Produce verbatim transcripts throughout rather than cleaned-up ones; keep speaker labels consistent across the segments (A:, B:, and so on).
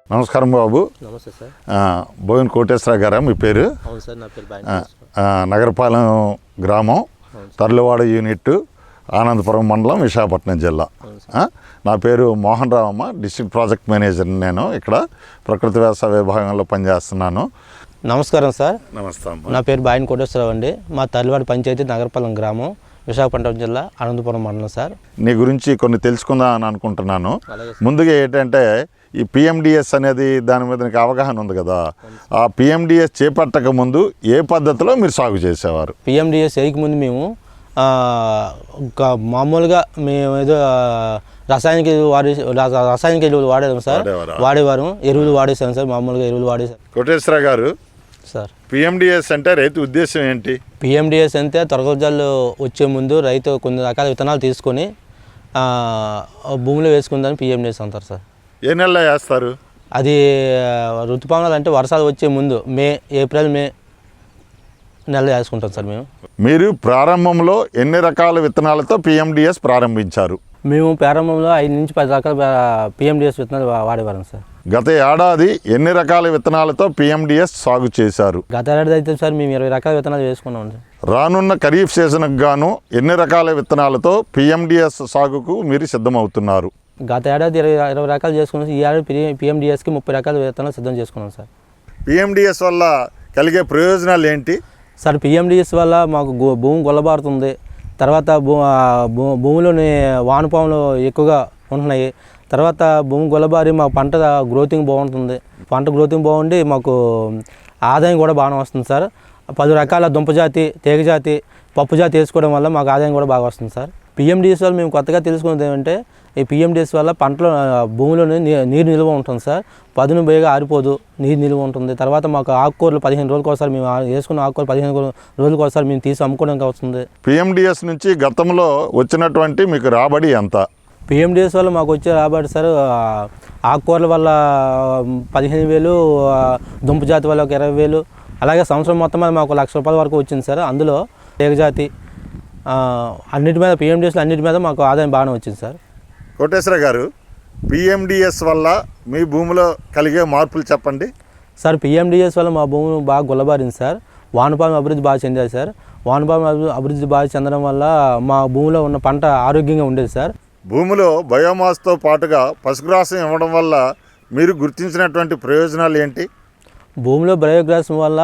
A: నమస్కారం బాబు.
B: నమస్తే సార్.
A: బోయిన కోటేశ్వరరావు గారా మీ పేరు?
B: అవును సార్, నా పేరు
A: నగరపాలెం గ్రామం, తర్లువాడ యూనిట్, ఆనందపురం మండలం, విశాఖపట్నం జిల్లా. నా పేరు మోహన్ రావు అమ్మ, డిస్ట్రిక్ట్ ప్రాజెక్ట్ మేనేజర్. నేను ఇక్కడ ప్రకృతి వ్యవసాయ విభాగంలో పనిచేస్తున్నాను.
B: నమస్కారం సార్.
A: నమస్తే అమ్మ.
B: నా పేరు బాయిన కోటేశ్వరరావు అండి. మా తర్లువాడ పంచాయతీ నగరపాలెం గ్రామం, విశాఖపట్నం జిల్లా, ఆనందపురం మండలం సార్.
A: నీ గురించి కొన్ని తెలుసుకుందాం అని అనుకుంటున్నాను. ముందుగా ఏంటంటే ఈ పిఎండిఎస్ అనేది దాని మీద నీకు అవగాహన ఉంది కదా, ఆ పిఎండిఎస్ చేపట్టక ముందు ఏ పద్ధతిలో మీరు సాగు చేసేవారు?
B: పిఎండిఎస్ వేయకముందు మేము మామూలుగా మేము ఏదో రసాయనిక వాడే రసాయనిక ఎరువులు వాడేదాం సార్, వాడేవారు ఎరువులు వాడేసాం సార్, మామూలుగా ఎరువులు వాడేసాం.
A: కోటేశ్వర గారు
B: సార్,
A: పిఎండిఎస్ అంటే రైతు ఉద్దేశం ఏంటి?
B: పిఎండిఎస్ అంటే తొలగజాలు వచ్చే ముందు రైతు కొన్ని రకాల విత్తనాలు తీసుకొని భూమిలో వేసుకుందని పిఎండిఎస్ అంటారు సార్.
A: ఏ నెలలో వేస్తారు
B: అది? ఋతుపవనాలు అంటే వర్షాలు వచ్చే ముందు మే ఏప్రిల్ మే నెలలో వేసుకుంటాం సార్ మేము.
A: మీరు ప్రారంభంలో ఎన్ని రకాల విత్తనాలతో పిఎండిఎస్ ప్రారంభించారు?
B: మేము ప్రారంభంలో ఐదు నుంచి పది రకాల పిఎండిఎస్ విత్తనాలు వాడేవారం సార్.
A: గత ఏడాది ఎన్ని రకాల విత్తనాలతో పిఎండిఎస్ సాగు చేశారు?
B: గత ఏడాది అయితే సార్ మేము ఇరవై రకాల విత్తనాలు వేసుకున్నాం సార్.
A: రానున్న ఖరీఫ్ సీజన్కు గాను ఎన్ని రకాల విత్తనాలతో పిఎండిఎస్ సాగుకు మీరు సిద్ధమవుతున్నారు?
B: గత ఏడాది ఇరవై ఇరవై రకాలు చేసుకున్నాం. ఈ ఏడాది పిఎండిఎస్కి ముప్పై రకాల విత్తనాలు సిద్ధం చేసుకున్నాం సార్.
A: పిఎండిఎస్ వల్ల కలిగే ప్రయోజనాలు ఏంటి
B: సార్? పిఎండిఎస్ వల్ల మాకు భూమి గొల్లబారుతుంది. తర్వాత భూ భూమిలోని వానపాములు ఎక్కువగా ఉంటున్నాయి. తర్వాత భూమి గొల్లబారి మా పంట గ్రోతింగ్ బాగుంటుంది. పంట గ్రోతింగ్ బాగుండి మాకు ఆదాయం కూడా బాగానే వస్తుంది సార్. పది రకాల దుంపజాతి, తీగజాతి, పప్పు జాతి వేసుకోవడం వల్ల మాకు ఆదాయం కూడా బాగా వస్తుంది సార్. పిఎండిఎస్ వల్ల మేము కొత్తగా తెలుసుకున్నది ఏమంటే, ఈ పిఎండిఎస్ వల్ల పంటలో భూమిలోనే నీరు నిల్వ ఉంటుంది సార్. పదును బేగా ఆరిపోదు, నీరు నిల్వ ఉంటుంది. తర్వాత మాకు ఆకుకూరలు పదిహేను రోజులకు ఒకసారి మేము వేసుకున్న ఆకుకూరలు పదిహేను రోజులకు ఒకసారి మేము తీసి అమ్ముకోవడానికి వస్తుంది.
A: పిఎండిఎస్ నుంచి గతంలో వచ్చినటువంటి మీకు రాబడి ఎంత?
B: పిఎండిఎస్ వల్ల మాకు వచ్చే రాబడి సార్, ఆకుకూరల వల్ల పదిహేను వేలు, దుంప జాతి వల్ల ఒక ఇరవై వేలు, అలాగే సంవత్సరం మొత్తం మీద మాకు లక్ష రూపాయల వరకు వచ్చింది సార్. అందులో తీగజాతి అన్నిటి మీద, పిఎండిఎస్లో అన్నిటి మీద మాకు ఆదాయం బాగానే వచ్చింది సార్.
A: కోటేశ్వర గారు, పిఎండిఎస్ వల్ల మీ భూమిలో కలిగే మార్పులు చెప్పండి
B: సార్. పిఎండిఎస్ వల్ల మా భూమి బాగా గుల్లబారింది సార్. వానపాము అభివృద్ధి బాగా చెందారు సార్. వానపాము అభివృద్ధి బాగా చెందడం వల్ల మా భూమిలో ఉన్న పంట ఆరోగ్యంగా ఉండేది సార్.
A: భూమిలో బయోమాస్తో పాటుగా పశుగ్రాసం ఇవ్వడం వల్ల మీరు గుర్తించినటువంటి ప్రయోజనాలు ఏంటి?
B: భూమిలో బయోగ్రాస్ వల్ల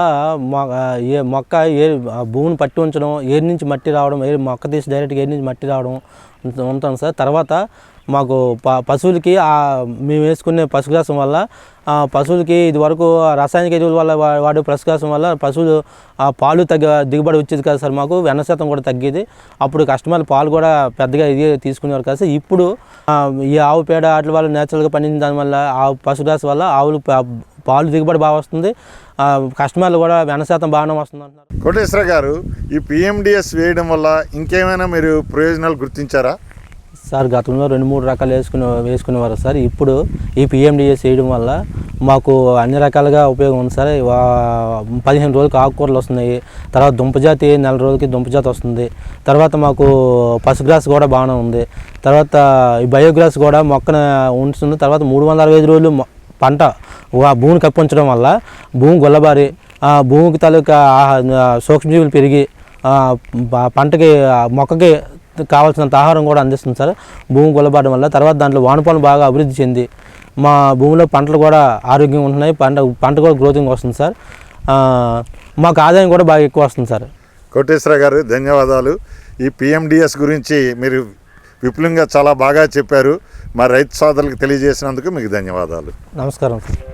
B: ఏ మొక్క ఏ భూమిని పట్టి ఉంచడం, ఏరు నుంచి మట్టి రావడం, ఏ మొక్క తీసి డైరెక్ట్గా ఏరు నుంచి మట్టి రావడం ఉంటాం సార్. తర్వాత మాకు ప పశువులకి మేము వేసుకునే పశుగ్రాసం వల్ల పశువులకి ఇది వరకు రసాయనిక ఎరువుల వల్ల వాడే పశుగ్రాసం వల్ల పశువులు పాలు తగ్గ దిగుబడి వచ్చేది కదా సార్. మాకు వెన్న శాతం కూడా తగ్గేది. అప్పుడు కస్టమర్లు పాలు కూడా పెద్దగా ఇది తీసుకునేవారు కదా సార్. ఇప్పుడు ఈ ఆవు పేడ వాటి వల్ల నేచురల్గా పండించిన దానివల్ల ఆ పశుగ్రాసం వల్ల ఆవులు పాలు దిగుబడి బాగా వస్తుంది. కస్టమర్లు కూడా వెన్న శాతం బాగానే వస్తుంది అంటున్నారు.
A: కోటేశ్వర గారు, ఈ పిఎండిఎస్ వేయడం వల్ల ఇంకేమైనా మీరు ప్రయోజనాలు గుర్తించారా?
B: సార్, గతంలో రెండు మూడు రకాలు వేసుకునే వేసుకునేవారు సార్. ఇప్పుడు ఈ పిఎండిఎస్ వేయడం వల్ల మాకు అన్ని రకాలుగా ఉపయోగం ఉంది సార్. పదిహేను రోజులకి ఆకుకూరలు వస్తున్నాయి. తర్వాత దుంపజాతి నెల రోజులకి దుంపజాతి వస్తుంది. తర్వాత మాకు పశుగ్రాస్ కూడా బాగానే ఉంది. తర్వాత ఈ బయోగ్రాస్ కూడా మొక్కన ఉంచుతుంది. తర్వాత మూడు వందల అరవై ఐదు రోజులు పంట భూమిని కప్పించడం వల్ల భూమి గొల్లబారి భూమికి తాలూకా సూక్ష్మజీవులు పెరిగి పంటకి మొక్కకి కావాల్సినంత ఆహారం కూడా అందిస్తుంది సార్ భూమి గొల్లబారడం వల్ల. తర్వాత దాంట్లో వానపాములు బాగా అభివృద్ధి చెంది మా భూమిలో పంటలు కూడా ఆరోగ్యంగా ఉంటున్నాయి. పంట పంట కూడా గ్రోతింగ్ వస్తుంది సార్. మాకు ఆదాయం కూడా బాగా ఎక్కువ వస్తుంది సార్.
A: కోటేశ్వర గారు, ధన్యవాదాలు. ఈ పిఎండిఎస్ గురించి మీరు విపులంగా చాలా బాగా చెప్పారు. మా రైతు సోదరులకు తెలియజేసినందుకు మీకు ధన్యవాదాలు.
B: నమస్కారం సార్.